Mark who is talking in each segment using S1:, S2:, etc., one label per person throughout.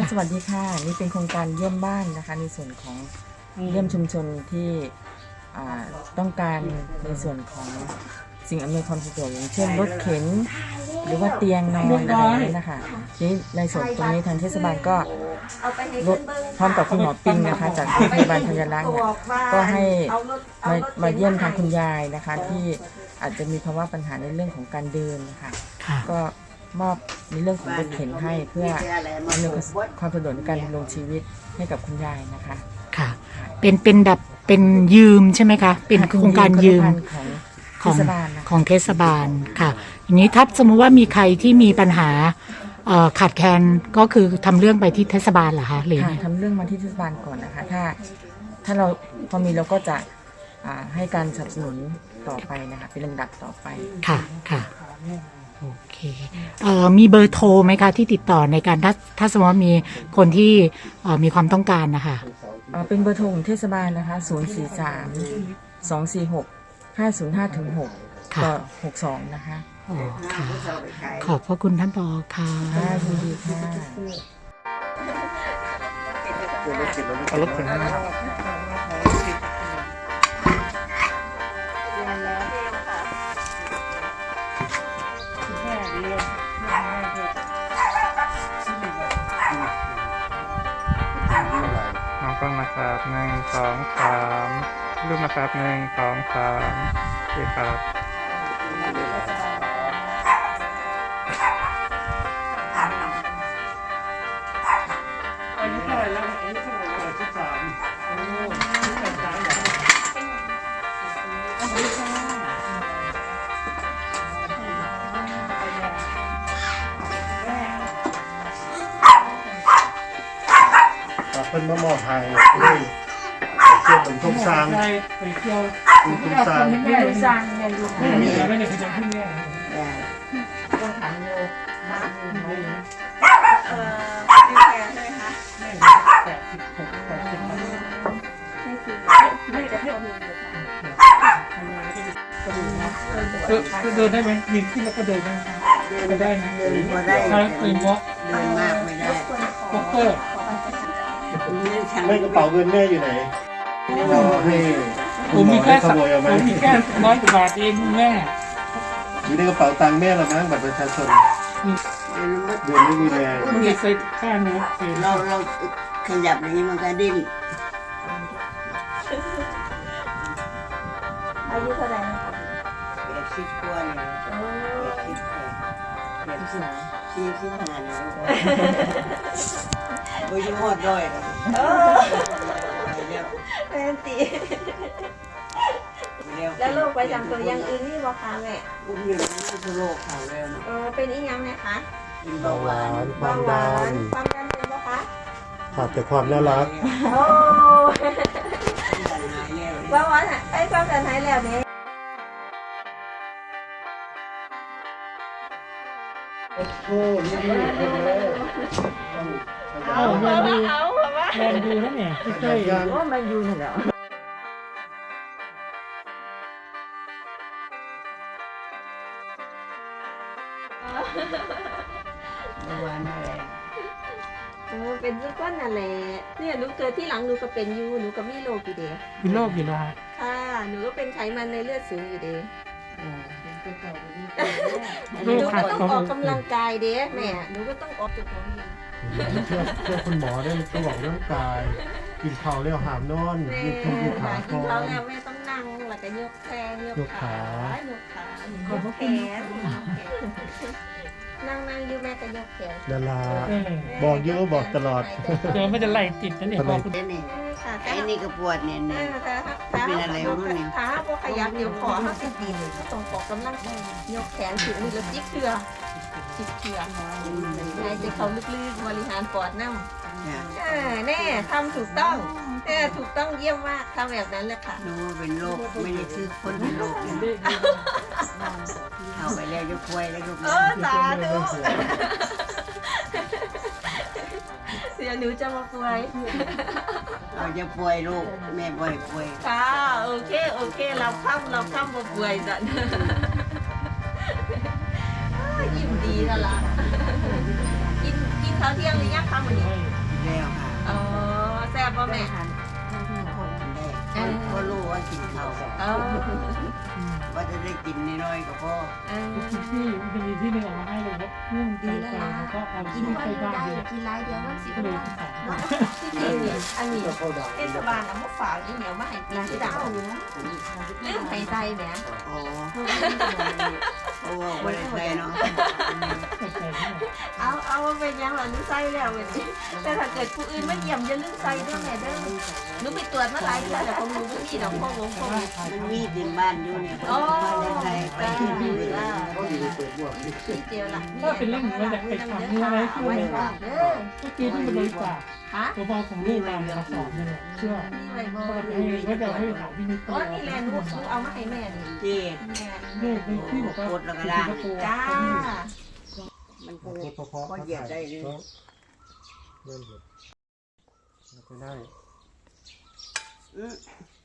S1: สวัสดีค่ะนี่เป็นโครงการเยี่ยมบ้านนะคะในส่วนของเยี่ยมชุมชนที่ต้องการในส่วนของสิ่งอำนวยความสะดวกอย่างเช่นรถเข็นหรือว่าเตียงนอนอะไรอย่างนี้นะคะนี่ในส่วนตรงนี้ทางเทศบาลก็พร้อมกับคุณหมอปิงนะคะจากโรงพยาบาลธัญรักษ์เนี่ยก็ให้มาเยี่ยมทางคุณยายนะคะที่อาจจะมีภาวะปัญหาในเรื่องของการเดินนะคะก็มอบในเรื่องของรถเข็นให้เพื่ออำนวยความสะดวกในการดำรงชีวิตให้กับคุณยายนะคะ
S2: ค่ะเป็นแบบเป็นยืมใช่ไหมคะเป็นโครงการยืมของเทศบาลค่ะอย่างนี้ถ้าสมมติว่ามีใครที่มีปัญหาขาดแคลนก็คือทำเรื่องไปที่เทศบาลเหรอคะหรือ
S1: ทำเรื่องมาที่เทศบาลก่อนนะคะถ้าเราพอมีเราก็จะให้การสนับสนุนต่อไปนะคะเป็นลำดับต่อไป
S2: ค่ะโอเคมีเบอร์โทรไหมคะที่ติดต่อในการถ้าสมมติว่ามีคนที่มีความต้องการนะคะ
S1: เป็นเบอร์โทรของเทศบาลนะคะ043-246-505-6ต่อ62นะคะ
S2: ค่ะขอบพระคุณท่านผอ.ค่ะ
S1: ยินดีค่ะ
S3: เอารถถึงน้องกล้องนะครับ1 2 3รูปนะครับ1 2 3โอเคครับอันนี้เท่าไหร่แล้วอันนี้เท่าไหร่แล้ว
S4: เพิ่นมามอบให้เลยเชื่อผมทุ่งซาง
S3: ไปเที่ยว
S4: ทุ่งซาง
S1: แม่ดูซางแม่ดู
S3: ไม่ได้ไปจังขึ้นแม่
S1: ต้องถามโยมาดูไหม
S5: ดีแก่ใช่ไหมคะ
S3: 86
S5: ไม่จะให้เอาเงิน
S3: เดินได้ไหมยืนขึ้นแล้วก็เดินได้ได้ไหม
S5: เดินพอได้
S3: ไปวอล์ก
S5: เดินมากไม่ได้
S3: วอล์กเกอร์
S4: ไม่กระเป๋าเงินแม่อยู่ไหนเราให้
S3: ผมมีแค่100 กว่าบาทเองแม่
S4: อยู่ในกระเป๋าตังค์แม่เรามั้งบัตรประชาชนเดือนไม่มีแรง
S3: มันจะใส่ข้างนู้น
S5: เราขยับอย่างนี้มันก็ดิ้นอายุเท่าไหร่นะคะ80 กว่าเนี่ย45เนี่ยโอ้ยหมดด้วยเป็นตีแล้วโรคประจำตัวยังอื่นนี่บ่คะแม่อุ้มอยู่ในโรคเขาแล้วเป็นอีกยังไงคะ
S4: เป็นเบาหวานความดัน
S5: เป็นบ่คะ
S4: ขาดแต่ความน่ารัก
S5: โอ้เบาหวานไอ้ความดันหายแล้วเนี่ย
S4: โอ้นี่
S3: เอาแมนดูนะเนี่ยเคย
S1: ว่ามันอยู่เหรอ
S5: วันอะไรเป็นทุกคนนั่นแหละเนี่ยหนูเกิดที่หลังหนูก็เป็นยูหนูก็มีโรคอยู่เดีย
S3: มีโรคอยู่แล้ว
S5: ค่ะหนูก็เป็นไขมันในเลือดสูงอยู่เดียหนูก็ต้องออกกำลังกายเด้แม่หนูก็ต้องออกจุดของนี้
S4: เชื่อคุณหมอได้ต้องออกร่างกายกินข้าวแล้วหามนอนยืดขา
S5: กินข้าวแล้วแม่ต้องนั่งแล้วก็ยกแขนยกขายกแขนนั่งอยู่แม่ก็ยกแขน
S4: ดาราบอกเยอะบอกตลอด
S3: เดี๋ยวไม่จะไล่ติดนะเนี่ยบอกคุณ
S5: ไอ้นี่ก็ปวดเนี่ยเป็นอะไรรู้นี่ขาพวกขยับเดี๋ยวขอเขาติดต้องออกกำลังยกแขนถึงนี่แล้วจิ๊กเถื่อในใจเขาลึกๆบริหารปอดน้ำแน่ทำถูกต้องถูกต้องเยี่ยมมากทำแบบนั้นเลยค่ะรู้เป็นโรคไม่ได้ชื่อคนเป็นโรคเอาไปแล้วยกป่วยแล้วก็สาธุเสียหนูจะมาป่วยเราจะป่วยลูกแม่ป่วยค่ะโอเคเราข้ามมาป่วยจันยิ้มดีแล้วล่ะกินข้าวเที่ยงหรือยังคะมื้อนี้
S6: แล้วค่ะ
S5: อ๋อแซ่บบ่แม่
S6: ได้ก็รู้ว่ากินข้าว
S5: เออ
S6: ว่าจะได้กินน้อยๆก็พอ
S2: ที่มันมีที่หนึ่งออกมาให้เลยครับนุ่มดีแล้วก็เอา
S5: กิน
S2: ที่
S5: วัน
S2: ไป
S5: นี้
S2: บ้าน
S5: ได้
S2: เลย
S5: กินหลายเดียวมันสิ
S2: ก็
S5: บ่
S2: เลย
S5: ได้
S2: สั่ง
S5: เนาะที่จริงนี่อันนี้เทศบาลเอามาฝากนี่เหนียวมาให้กินที่ดังลืมให้ใส่แหม
S6: อ๋อเพราะว่าวันใดเนาะ
S5: เอาเป็นยังล่ะหนูใส่แล้ววันนี้แต่ถ้าเกิดผู้อื่นมาเยี่ยมอย่าลืมใส่เด้อแม่เด้อหนูไปตรวจมาหลายเทื่อแล้วของหนูบ่มีดอกพ่อวงพ่อ
S6: มันมีดินบ้านอยู่เนี่ย
S5: อ๋อ
S6: มาได้ไป
S5: จ้า
S6: ที่นี่
S5: จ้า
S4: เขาอยู่เปิดบวก
S5: พี่เจียวล่ะ
S2: ก็เป็นเรื่องมาจากไปทำอะไร
S5: เอา
S2: ช่ว
S5: ไว้
S2: ย
S5: ฝากเด้อ
S2: เมื่อกี้ที่มันเลยฝาก
S5: ฮะ
S2: ตัวบอกของลูกมามาสอนนี่แหละเชื่อ
S5: มีไว้บ่
S2: ก็จะให้ถามพี่นิด
S5: อ๋อนี่แหละหนูเอามาให้แม่นี่
S6: ที่
S5: แม่
S2: นี่คือที่บอกว่า
S5: จ้า
S6: มัน
S4: โค
S6: ก็
S4: ตรเพราะ
S6: ก็เหยียบได้เลย
S4: เริ่มเหยียบแล้วก็ได้
S6: อืม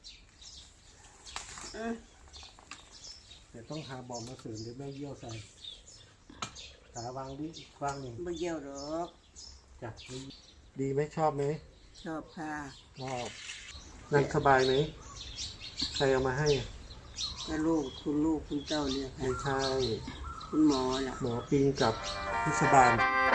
S6: อืม
S4: แต่ต้องหาบอมมาเสริมหรือไม่เยี่ยวใส่ขาวางดิวางหนึ่ง
S6: ไม่เยี่ยวหรอก
S4: จ้ะดีไหมชอบไหม
S6: ชอบค่ะ
S4: ชอบนั่งสบายไหมใครเอามาให้
S6: ก็ลูกคุณเจ้าเนี่ยค่ะ
S4: ไม่ใช่
S6: คุณหมอน่ะ
S4: หมอปิงกับพิศบาล